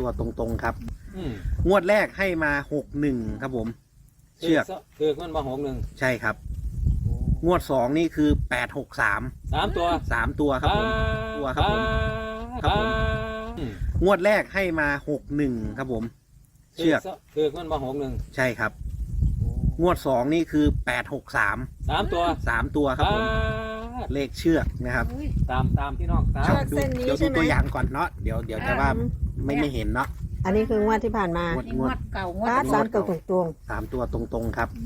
ตัวตรงๆครับงวดแรกให้มา61ครับผมเชือกคือมันมา61 ใช่ครับงวด2นี่คือ863 3 ตัวครับผมตัวครับผมครับผมงวดแรกให้มา61ครับผมเชือกคือมันมา61 ใช่ครับงวด2นี่คือ863 3 ตัวครับผมเลขเชือกนะครับตามพี่น้องตามเดี๋ยวดูตัวอย่างก่อนเนาะเดี๋ยวจะว่าไม่เห็นเนาะอันนี้คืองวดที่ผ่านมางวดเก่างวดสามตัวตรง 3 ตัวตรงๆครับ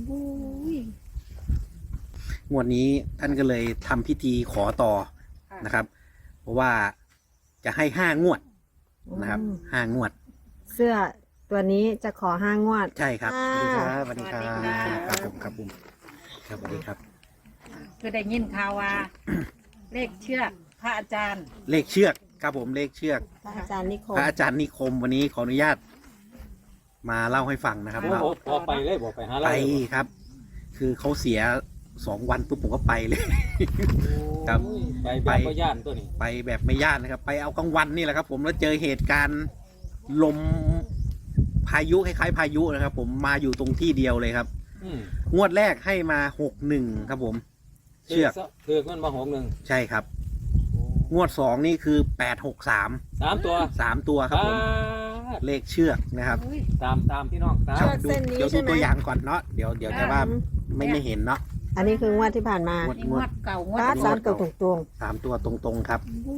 งวดนี้ท่านก็เลยทำพิธีขอต่อนะครับเพราะว่าจะให้5 งวดนะครับ5 งวดเสื้อตัวนี้จะขอ5 งวดใช่ครับสวัสดีครับครับผมครับผมครับสวัสดีครับคือได้ยินข่าวว่าเลขเชือกพระอาจารย์เลขเชือกครับผมเลขเชือกพระอาจารย์นิคมวันนี้ขออนุญาตมาเล่าให้ฟังนะครับบอกไปเลยบอกไปหาไปครับ คือเขาเสีย2 วันปุ๊บผมก็ไปเลยครับไปแบบไม่ย่านตัวนี้ไปแบบไม่ย่านนะครับไปเอากลางวันนี่แหละครับผมแล้วเจอเหตุการณ์ลมพายุคล้ายๆพายุนะครับผมมาอยู่ตรงที่เดียวเลยครับงวดแรกให้มา61ครับผมเชือกคือมันมา61 ใช่ครับงวด2นี่คือ863 3 ตัวครับผมเลขเชือกนะครับตามพี่น้องตามเดี๋ยวดูตัวอย่างก่อนเนาะเดี๋ยวจะว่าไม่เห็นเนาะอันนี้คืองวดที่ผ่านมางวดเก่างวด 3 ตัวตรงๆ3 ตัวตรงๆครับ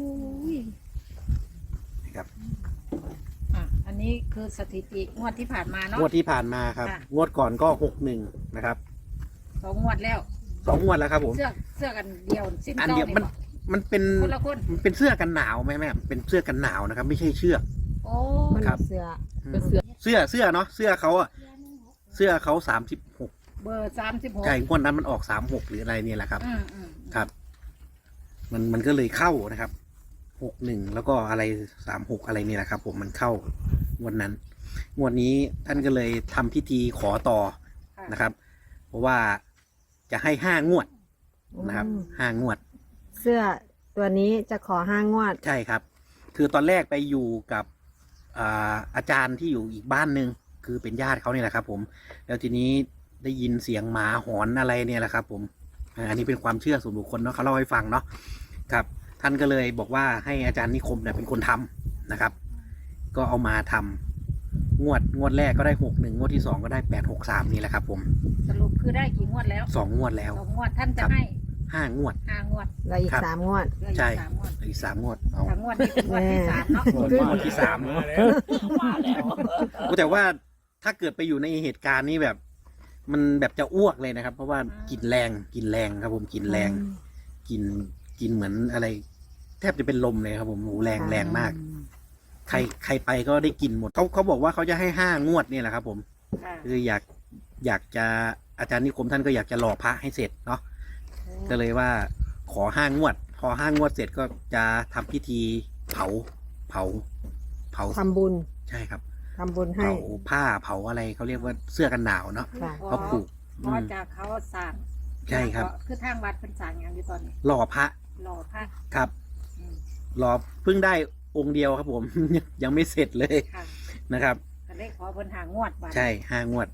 ครับอันนี้คือสถิติงวดที่ผ่านมาเนาะงวดที่ผ่านมาครับงวดก่อนก็61นะครับ 2 งวดแล้ว 2 งวดแล้วครับผมเสื้อกันเดียวอันเดียวมันเป็นเสื้อกันหนาวไหมแม่เป็นเสื้อกันหนาวนะครับไม่ใช่เชือกโอ้ครับเสื้อเนาะเสื้อเขา36 เบอร์36 ใช่งวดนั้นมันออก36หรืออะไรเนี่ยแหละครับครับมันก็เลยเข้านะครับ61แล้วก็อะไร36อะไรนี่แหละครับผมมันเข้างวดนั้นงวดนี้ท่านก็เลยทำพิธีขอต่อนะครับเพราะว่าจะให้5 งวดนะครับ5 งวดเสื้อตัวนี้จะขอ5 งวดใช่ครับคือตอนแรกไปอยู่กับอาจารย์ที่อยู่อีกบ้านหนึ่งคือเป็นญาติเขาเนี่ยแหละครับผมแล้วทีนี้ได้ยินเสียงหมาหอนอะไรเนี่ยแหละครับผมอันนี้เป็นความเชื่อส่วนบุคคลเนาะเขาเล่าให้ฟังเนาะครับท่านก็เลยบอกว่าให้อาจารย์นิคมเนี่ยเป็นคนทำนะครับก็เอามาทำงวดแรกก็ได้61งวดที่2ก็ได้863นี่แหละครับผมสรุปคือได้กี่งวดแล้ว 2 งวดแล้ว 2 งวดท่านจะให้ 5 งวดแล้วอีก3 งวดใช่อีก3 งวดเอา 3 งวดนี่เป็นงวดที่3เนาะงวดที่3มาแล้วแต่ว่าถ้าเกิดไปอยู่ในเหตุการณ์นี้แบบมันแบบจะอ้วกเลยนะครับเพราะว่ากินแรงครับผมกินแรงกินเหมือนอะไรแทบจะเป็นลมเลยครับผมหูแรงมากใครไปก็ได้กินหมดเขาบอกว่าเขาจะให้5 งวดนี่แหละครับผมคืออยากจะอาจารย์นิคมท่านก็อยากจะหล่อพระให้เสร็จเนาะก็เลยว่าขอ5 งวดพอ5 งวดเสร็จก็จะทำพิธีเผาทำบุญใช่ครับทำบุญให้เผาผ้าเผาอะไรเขาเรียกว่าเสื้อกันหนาวเนาะเขาผูกเพราะจากเขาสั่งใช่ครับคือทางวัดเป็นสั่งอย่างอยู่ตอนนี้หล่อพระครับหล่อเพิ่งได้องค์เดียวครับผมยังไม่เสร็จเลยนะครับก็เลยขอเพิ่น5 งวดใช่5 งวด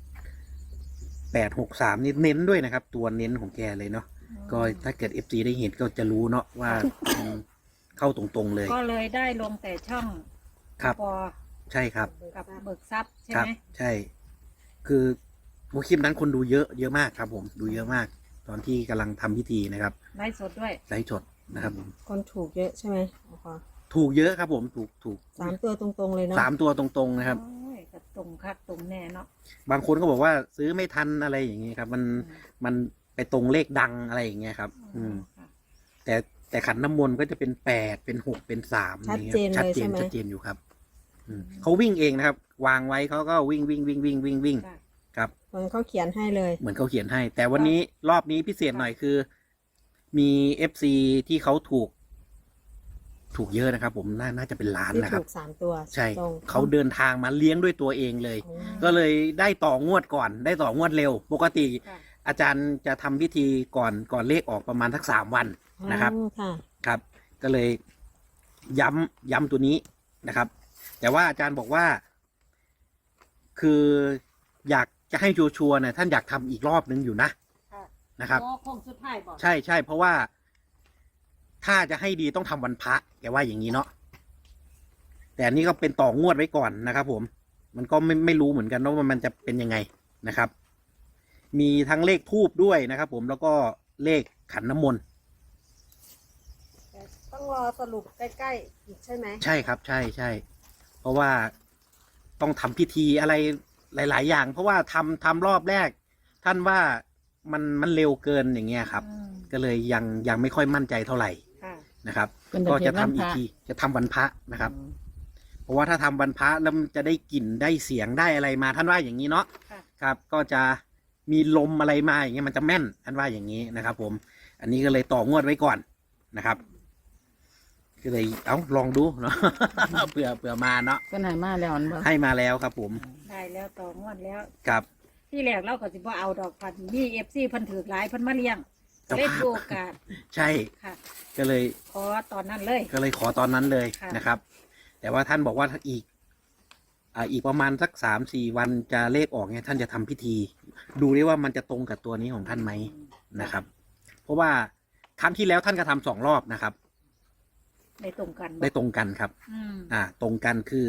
863นี่เน้นด้วยนะครับตัวเน้นของแกเลยเนาะก็ถ้าเกิด FC ได้เห็นก็จะรู้เนาะว่าเข้าตรงๆเลยก็เลยได้ลงแต่ช่องครับใช่ครับกับเบิกทรัพย์ใช่ไหมใช่คือคลิปนั้นคนดูเยอะมากครับผมดูเยอะมากตอนที่กำลังทำพิธีนะครับไลฟ์สดด้วยไลฟ์สดนะครับผมคนถูกเยอะใช่ไหมถูกเยอะครับผมถูก 3 ตัวตรงๆเลยเนาะ 3 ตัวตรงๆนะครับตรงคักตรงแน่เนาะบางคนก็บอกว่าซื้อไม่ทันอะไรอย่างเงี้ยครับมันไปตรงเลขดังอะไรอย่างเงี้ยครับแต่ขันน้ำมนต์ก็จะเป็น8เป็น6เป็น3 ชัดเจนอยู่ครับเขาวิ่งเองนะครับวางไว้เขาก็วิ่งครับเหมือนเขาเขียนให้เลยเหมือนเขาเขียนให้แต่วันนี้รอบนี้พิเศษหน่อยคือมี FC ที่เขาถูกเยอะนะครับผมน่าจะเป็นล้านนะครับถูก3 ตัวใช่เขาเดินทางมาเลี้ยงด้วยตัวเองเลยก็เลยได้ต่องวดก่อนได้ต่องวดเร็วปกติอาจารย์จะทำพิธีก่อนเลขออกประมาณสัก3 วันนะครับครับก็เลยย้ำตัวนี้นะครับแต่ว่าอาจารย์บอกว่า คืออยากจะให้ชัวร์ๆเนี่ยท่านอยากทำอีกรอบนึงอยู่นะค่ะนะครับโอ้คงสุดท้ายบอกใช่ใช่เพราะว่าถ้าจะให้ดีต้องทำวันพระแกว่าอย่างนี้เนาะแต่อันนี้ก็เป็นต่องวดไว้ก่อนนะครับ ผม มันก็ไม่รู้เหมือนกันว่ามันจะเป็นยังไงนะครับ มีทั้งเลขทูบด้วยนะครับ ผมแล้วก็เลขขันน้ำมนต์ต้องรอสรุปใกล้ๆอีกใช่ไหมใช่ครับ ใช่ใช่เพราะว่าต้องทำพิธีอะไรหลาย ๆ อย่าง เพราะว่าทำรอบแรก ท่านว่ามันเร็วเกินอย่างเงี้ยครับอืมก็เลยยังไม่ค่อยมั่นใจเท่าไหร่ค่ะนะครับเป็นก็แต่จะเพียงทำอีกวันพระทีจะทำวันพระนะครับ เพราะว่าถ้าทำวันพระแล้วมันจะได้กลิ่นได้เสียงได้อะไรมาท่านว่าอย่างนี้เนาะค่ะครับ ก็จะมีลมอะไรมาอย่างเงี้ยมันจะแม่นท่านว่าอย่างนี้นะครับ ผม อันนี้ก็เลยต่องวดไว้ก่อนนะครับ ก็เลยลองดูเนาะ เผื่อมาเนาะเพิ่นให้มาแล้วอันบ่ให้มาแล้วครับ ผมได้แล้วต่องวดแล้วครับที่แรกเราก็สิบ่เอาดอกพันมีเอฟซีเพิ่นถือหลายเพิ่นมาเลี้ยงเจ้าเล่นภาพโอกาสใช่ค่ะก็เลยขอตอนนั้นเลยขอตอนนั้นเลยค่ะนะครับ แต่ว่าท่านบอกว่าถ้าอีกประมาณสัก3-4 วันจะเลขออกเนี่ยท่านจะทำพิธี ดูได้ว่ามันจะตรงกับตัวนี้ของท่านไหมนะครับ เพราะว่าครั้งที่แล้วท่านก็ทำ2 รอบนะครับได้ตรงกันบ่ได้ตรงกันครับอืมตรงกันคือ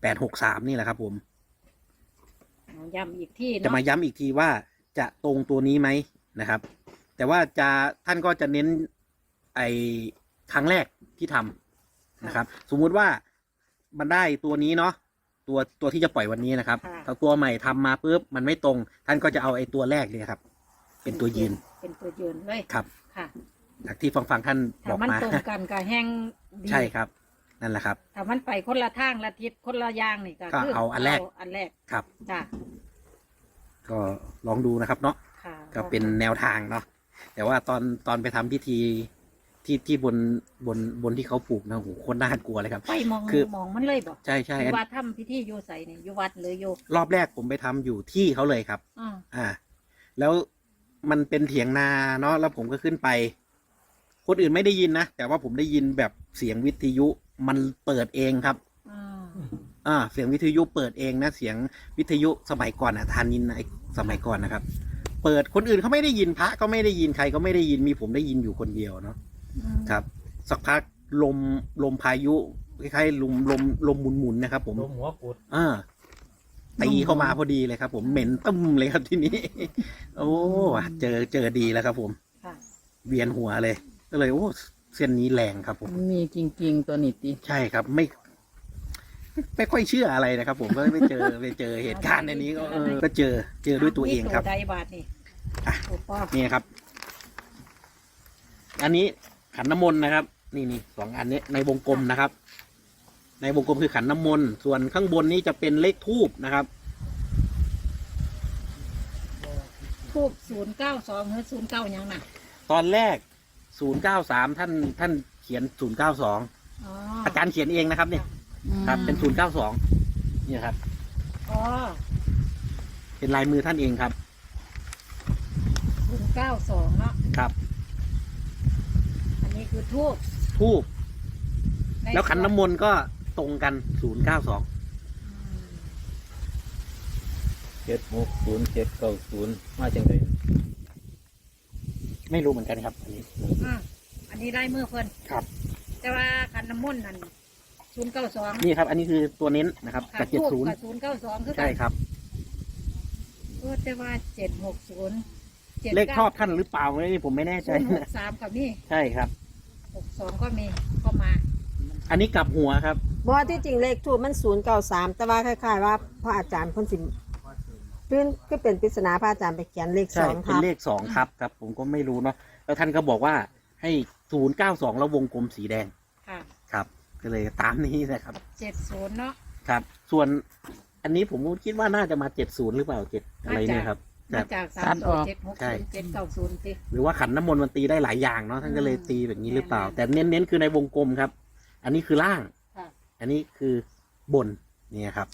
863นี่แหละครับ ผมเอาย้ำอีกที่จะเนาะมาย้ำอีกทีว่าจะตรงตัวนี้ไหมนะครับ แต่ว่าท่านก็จะเน้นไอ้ครั้งแรกที่ทำนะครับ สมมุติว่ามันได้ตัวนี้เนาะตัวที่จะปล่อยวันนี้นะครับถ้าตัวใหม่ทำมาปุ๊บมันไม่ตรง ท่านก็จะเอาไอ้ตัวแรกเลยครับ เป็นตัวยืนเป็นตัวยืนเลยครับค่ะจากที่ฟังท่านบถ้าอกมันมาตรงกันก็แห้งดีใช่ครับ นั่นแหละครับถ้ามันไปคนละทางละทิศคนละอย่างนี่ก็ก็คือเอาอันแรกอันแรกครับจ้ะก็ลองดูนะครับเนาะค่ะก็เป็นแนวทางเนาะแต่ว่าตอนไปทำพิธีที่บนที่เขาปลูกนะโหโคตรน่ากลัวเลยครับไปมองคือมองมันเลยบ่ใช่ใช่อยู่วัดทำพิธีอยู่ใส่นี่อยู่วัดหรืออยู่รอบแรกผมไปทำอยู่ที่เขาเลยครับอ่าแล้วมันเป็นเถียงนาเนาะแล้วผมก็ขึ้นไป คนอื่นไม่ได้ยินนะแต่ว่าผมได้ยินแบบเสียงวิทยุมันเปิดเองครับอ่าเสียงวิทยุเปิดเองนะเสียงวิทยุสมัยก่อนทานินไอสมัยก่อนนะครับ เปิดคนอื่นเขาไม่ได้ยินพระก็ไม่ได้ยินใครก็ไม่ได้ยินมีผมได้ยินอยู่คนเดียวเนาะ ครับ สักพักลมพายุคล้ายๆลมหมุนๆนะครับ ผมลมหัวกุดตีเข้ามาพอดีเลยครับ ผมเหม็นตึ้มเลยครับที่นี้ โอ้เจอดีแล้วครับ ผมค่ะเวียนหัวเลย ก็เลยโอ้เส้นนี้แรงครับ ผมมันมีจริงๆตัวนี้ติใช่ครับไม่ค่อยเชื่ออะไรนะครับ ผมก็ไปเจอเหตุการณ์ในนี้ก็เจอด้วยตัวเองครับมีตัวใดบาทนี่อ่ะโอ้ป้อนี่ครับ อันนี้ขันน้ำมนต์นะครับ นี่2 อันนี้ในวงกลมนะครับ ในวงกลมคือขันน้ำมนต์ส่วนข้างบนนี้จะเป็นเลขทูบนะครับทูบ092หรือ09ยังน่ะตอนแรก093ท่านเขียน092 อ๋ออาจารย์เขียนเองนะครับ เนี่ยครับ เป็น092เนี่ยครับอ๋อเป็นลายมือท่านเองครับ 092เนาะครับอันนี้คือทูบทูบในแล้วขันน้ำมนต์ก็ตรงกัน092 อืม 760 790มาจังไดไม่รู้เหมือนกันครับ อันนี้อันนี้ได้มือเพิ่นครับแต่ว่าขันน้ำมนต์นั่น092 นี่ครับ อันนี้คือตัวเน้นนะครับค่ะกับทูบกับ 70 092คือกัใช่ครับแต่ว่า760 เลขชอบท่านหรือเปล่านี่ผมไม่แน่ใจนะ 063กับมีใช่ครับ 62ก็มีก็มาอันนี้กลับหัวครับเพราะว่าที่จริงเลขทูบมัน093แต่ว่าคล้ายๆว่าพระอาจารย์เพิ่นสิพื้นก็เป็นปริศนาพระอาจารย์ไปเขียนเลขใช่ 2 เป็นทับเลข2ครับครับ ผมก็ไม่รู้เนาะแล้วท่านก็บอกว่าให้092แล้ววงกลมสีแดงค่ะครับ ก็เลยตามนี้นะครับ 70เนาะครับ ส่วนอันนี้ผมคิดว่าน่าจะมา70หรือเปล่า7อะไรเนี่ยครับมาจากตัดออกใช่ 3 7 6 0 7 9 0ติหรือว่าขันน้ำมนต์มันตีได้หลายอย่างเนาะท่านก็เลยตีแบบนี้หรือเปล่าอืมแต่เน้นคือในวงกลมครับ อันนี้คือล่างค่ะอันนี้คือบนเนี่ยครับ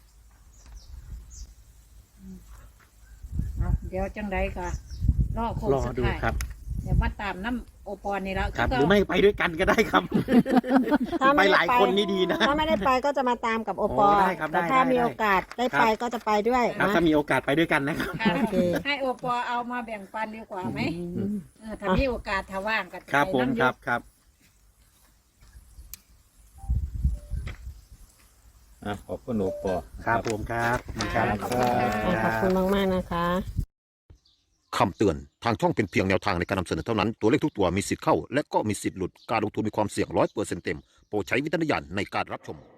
เอาเดี๋ยวจังไดก็รอโค้งรอสุดดูท้ายครับเดี๋ยวมาตามน้ำโอปอนี่แล้วครับหรือไม่ไปด้วยกันก็ได้ครับ ไปหลายคนนี่ดีนะถ้าไม่ได้ไปก็จะมาตามกับโอปอโอ้ได้ครับได้แต่ถ้าได้มีโอกาสได้ไปก็จะไปด้วยครับนะถ้ามีโอกาสไปด้วยกันนะครับค่ะโอเคให้โอปอเอามาแบ่งปันดีกว่าไหมถ้ามีโอกาสถ้าว่างกันครับผมไปน้ำครับครับขอบคุณโอปอครับผมครับครับขอบคุณมากๆนะคะคำเตือน ทางช่องเป็นเพียงแนวทางในการนำเสนอเท่านั้น ตัวเลขทุกตัวมีสิทธิ์เข้า และก็มีสิทธิ์หลุด การลงทุนมีความเสี่ยง100%เต็ม โปรดใช้วิจารณญาณในการรับชม